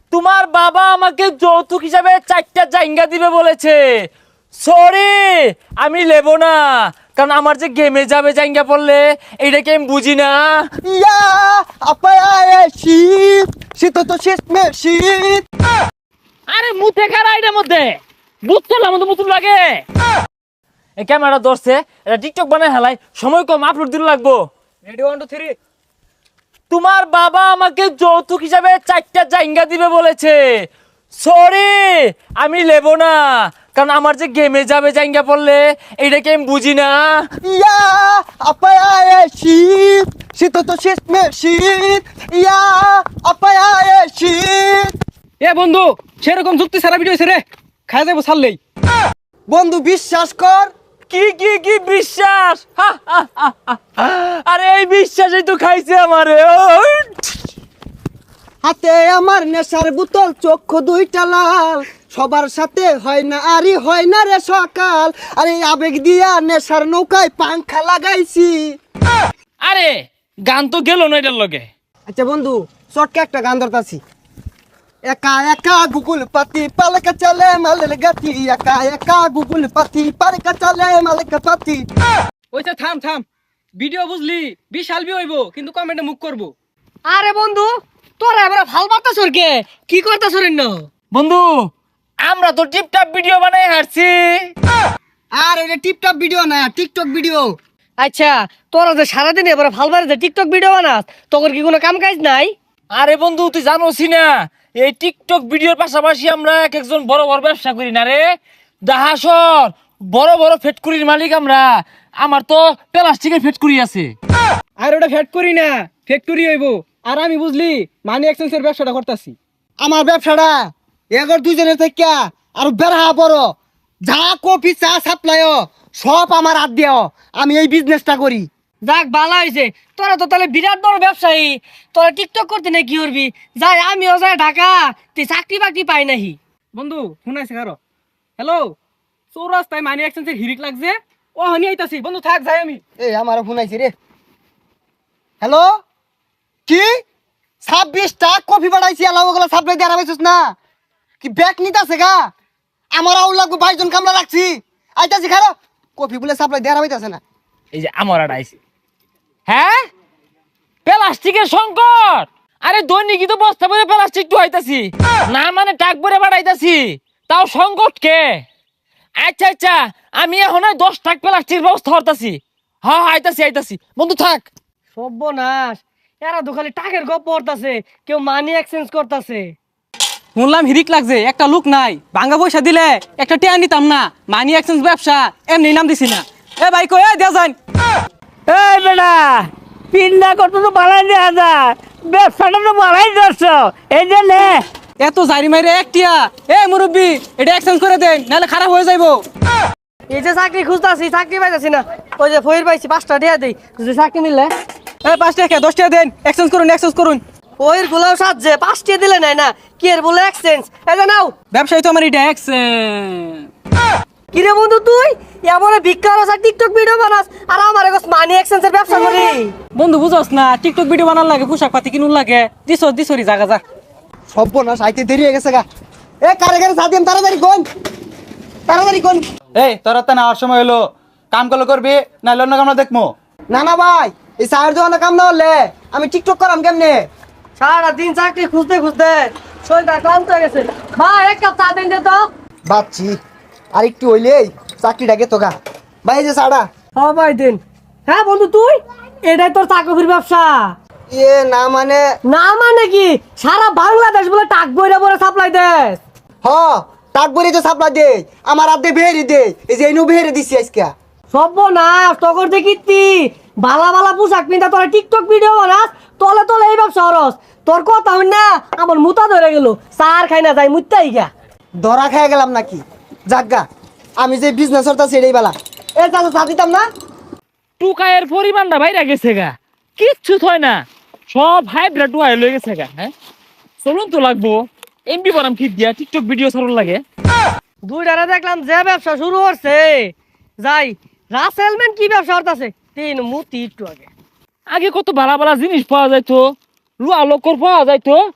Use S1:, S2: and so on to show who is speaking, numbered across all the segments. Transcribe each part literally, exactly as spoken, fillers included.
S1: তোমার বাবা আমাকে যৌতুক হিসাবে চারটা জায়গা দিবে বলেছে। সরি, আমি নেব না, কারণ আমার যে গেমে যাবে জায়গা পড়লে এইটাকে আমি বুঝি না।
S2: ইয়া আপায় শীত শীত তো শেষ মে শীত।
S1: আরে মুতে খারা এটার মধ্যে বুঝতে আমার তো মুতুন লাগে। এই ক্যামেরা ধরছে, এটা টিকটক বানায় হেলাই, সময় কম, আপলোড দিতে লাগবো।
S2: Ready one two three.
S1: তোমার বাবা আমাকে যৌতুক হিসাবে চারটা জায়গা দিবে বলেছে। সরি, আমি নেব না, কারণ আমার যে গেমে যাবে জায়গা পড়লে এইটাকে আমি বুঝি না।
S2: ইয়া আপায় শীত শীত তো শেষ মে শীত। ইয়া আপায় শীত।
S3: এ বন্ধু, সেরকম যুক্তি সারা ভিডিও রে খাই যাবো ছাড়লেই।
S2: বন্ধু বিশ্বাস কর।
S1: কি কি কি বিশ্বাস? হা, হা, হা, হা। আরে এই বিশ্বাসই তো খাইছে আমারে। ওই।
S2: হাতে আমার নেশার বোতল, চক্ষু দুইটা লাল, সবার সাথে হয় না আরি হয় না রে সকাল। আরে আবেগ দিয়া নেশার নৌকায় পাংখা লাগাইছি।
S1: আরে গান তো গেল না এটার লগে।
S2: আচ্ছা বন্ধু, শর্টকে একটা গান ধরতাছি। একা একা গুগল পাতি পালকা চলে মালের গাতি, একা একা গুগল পাতি পালকা চলে মালের পাতি।
S3: ওইটা থাম থাম, ভিডিও বুঝলি বিশাল বি হইব, কিন্তু কমেন্টে মুখ করবো।
S4: আরে বন্ধু, তোরা এবার ভাল বার্তাছ কে? কি করতাছ রে ন?
S1: বন্ধু, আমরা তো টিপটাপ ভিডিও বানাই হারছি।
S2: আর এটা টিপটপ ভিডিও না, টিকটক ভিডিও।
S4: আচ্ছা, তোরা যে সারাদিন এবার ভাল বারে যে টিকটক ভিডিও বানাস, তোর কি কোনো কাম কাজ নাই?
S1: আরে বন্ধু, তুই জানোসি না এই টিকটক ভিডিওর পাশাপাশি আমরা এক একজন বড় বড় ব্যবসা করি না রে। দাহাসর বড় বড় ফ্যাক্টরির মালিক আমরা। আমার তো প্লাস্টিকের ফ্যাক্টরি আছে।
S3: আর ওটা ফ্যাট করি না, ফ্যাক্টরি হইব। আর আমি বুঝলি মানি এক্সচেঞ্জের ব্যবসাটা করতেছি।
S2: আমার ব্যবসাটা এগর দুইজনের থেকে আর বেড়া বড়, যা কফি চা সাপ্লাই সব আমার হাত দিও। আমি এই বিজনেসটা করি।
S4: যাক ভালো হয়েছে, তোরা তো তাহলে বিরাট বড় ব্যবসায়ী। তোরা টিকটক করতে না কি করবি? যাই আমিও যাই ঢাকা, তুই চাকরি বাকরি পাই নাহি।
S3: বন্ধু শুনাইছে কারো? হ্যালো, চৌরাস্তায় মানি এক্সচেঞ্জের হিরিক লাগছে, ও হানি আইতাছি। বন্ধু থাক, যাই আমি।
S2: এই আমার ফোন আইছে রে। হ্যালো, কি ছাব্বিশটা কফি বাড়াইছি, আলাও ওগুলো সাপ্লাই দিয়ে আরামাইছিস না কি? ব্যাগ নিতাছে গা, আমার আউল লাগবো, বাইশ জন কামলা রাখছি। আইতাছি খারো, কফি বলে সাপ্লাই দিয়ে আরামাইতাছে না।
S1: এই যে আমার আইছে। হ্যাঁ, প্লাস্টিকের সংকট। আরে দৈনিকই তো বস্তা ভরে প্লাস্টিক ঢুকাইতাছি, না মানে টাক ভরে বাড়াইতাছি, তাও সংকট কে? আচ্ছা আচ্ছা, আমি এখন ওই দশ টাক প্লাস্টিক ব্যবস্থা করতেছি। হ্যাঁ হ্যাঁ, আইতাছি আইতাছি। বন্ধু থাক।
S4: সর্বনাশ, এরা তো খালি টাকের গপ পড়তাছে, কেউ মানি এক্সচেঞ্জ করতাছে।
S3: শুনলাম হিরিক লাগছে, একটা লোক নাই, ভাঙ্গা পয়সা দিলে একটা টেয়া নিতাম না। মানি এক্সচেঞ্জ ব্যবসা এমনি নাম দিছি না। এ ভাই কই দেয়া যান।
S5: এই বেটা, পিন্ডা কত তো বাড়াই দেওয়া যায়, ব্যবসাটা তো বাড়াই দিচ্ছ, এই যে নে।
S3: এত জারি মাইরে একটিয়া। এ মুরব্বি, এটা এক্সচেঞ্জ করে দেন, নাহলে খারাপ হয়ে যাইবো।
S4: এই যে চাকরি খুঁজতাছি, চাকরি পাইতাছি না। ওই যে ফইর পাইছি, পাঁচটা দিয়া দেই, যদি চাকরি মিললে।
S3: এ পাঁচ টাকা দশ টাকা দেন, এক্সচেঞ্জ করুন এক্সচেঞ্জ করুন।
S4: ওইর গুলাও সাজছে, পাঁচটা দিলে নাই না, কি এর বলে এক্সচেঞ্জ? এই যে নাও।
S3: ব্যবসায়ী তো আমার এটা এক্সচেঞ্জ।
S4: কিরে বন্ধু, তুই এমন ভিক্ষা আর টিকটক ভিডিও বানাস, আর আমার এগো মানি এক্সচেঞ্জের ব্যবসা করি।
S3: বন্ধু বুঝস না, টিকটক ভিডিও বানার লাগে, পোশাক পাতি কিনুন লাগে। দিস দিসরি জাগা যা।
S2: সর্বনাশ, আইতে দেরি হয়ে গেছে গা। এ কারে কারে সাথে তাড়াতাড়ি কোন, তাড়াতাড়ি কোন।
S6: এই তোরা তো নেওয়ার সময় হলো, কাম করলে করবি, না অন্য কামনা দেখবো।
S2: না না ভাই, এই চায়ের দোকানে কাম না হলে আমি টিকটক করাম কেমনে?
S4: সারা দিন চাকরি খুঁজতে খুঁজতে শরীরটা ক্লান্ত হয়ে গেছে। ভাই এক কাপ চা দেন দে তো।
S2: ভাবছি আর একটু হইলেই চাকরিটা গেতো গা। ভাই এই যে চাটা।
S4: হ্যাঁ ভাই দিন। হ্যাঁ বন্ধু, তুই এটাই তোর চাকরির ব্যবসা?
S2: এ না মানে,
S4: না মানে কি, সারা বাংলাদেশ বলে টাক বইরা বলে সাপ্লাই দেস?
S2: হ টাক বলি তো সাপ্লাই দে, আমার আদে বেহেরি দে। এই যে এনু বেহেরি দিছি আজকে।
S4: সর্বনাশ, তখন দেখিতি বালা বালা পোশাক পিন্ধা তোরা টিকটক ভিডিও বানাস, তলে তলে এই ব্যবসা হরস। তোর কথা হই না, আমার মুতা ধরে গেল, চার খাই না যাই মুত্তাই গা।
S2: ধরা খেয়ে গেলাম নাকি? যাজ্ঞা, আমি যে বিজনেস করতা সেটাই বেলা। এ চাচা চা দিতাম না?
S1: টুকায়ের পরিমাণটা বাইরে গেছে গা, কিচ্ছু থয় না, সব হাইব্রিড টুকায় লয়ে গেছে গা। হ্যাঁ, চলুন তো লাগবো এমবি বানাম কি দিয়া টিকটক ভিডিও ছাড়ুন লাগে।
S4: দুই ডারা দেখলাম যে ব্যবসা শুরু করছে, যাই রাসেলম্যান কি ব্যবসা করতেছে, তিন মুতি একটু আগে।
S1: আগে কত ভালো ভালো জিনিস পাওয়া যাইতো, লুয়া লোকর পাওয়া যাইতো,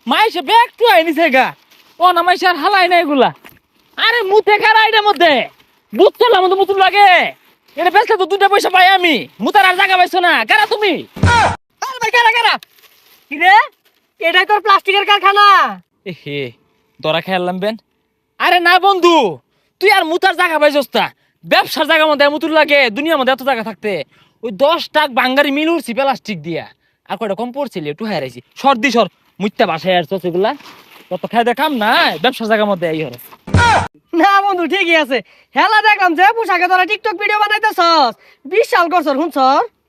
S1: মাইসে ব্যাগ টু আইনিছে গা ও না মাইসে আর হালাই না এগুলা আরে মুতে খারা এটার মধ্যে বুঝছলাম মতো মুতুন লাগে এটা বেচলে তো দুটা পয়সা পাই আমি মুতার আর জায়গা পাইছো না কারা তুমি
S4: আরে ভাই কারা কারা কি রে এটাই তোর প্লাস্টিকের কারখানা
S1: এ হে দরা খেয়ালাম বেন আরে না বন্ধু তুই আর মুতার জায়গা পাইছস তা ব্যবসার জায়গার মধ্যে মুতুর লাগে দুনিয়ার মধ্যে এত জায়গা থাকতে ওই দশ টাক বাঙ্গারি মিল উঠছি প্লাস্টিক দিয়া আর কয়টা কম পড়ছিল একটু হারাইছি সর্দি সর মুত্যা বাসায় আর সেগুলা কত খাই দেখাম না ব্যবসার জায়গার মধ্যে এই হরে
S4: না বন্ধু ঠিকই আছে হেলা দেখলাম যে পোশাকে তোরা টিকটক ভিডিও বানাইতেছস বিশাল করছর শুনছর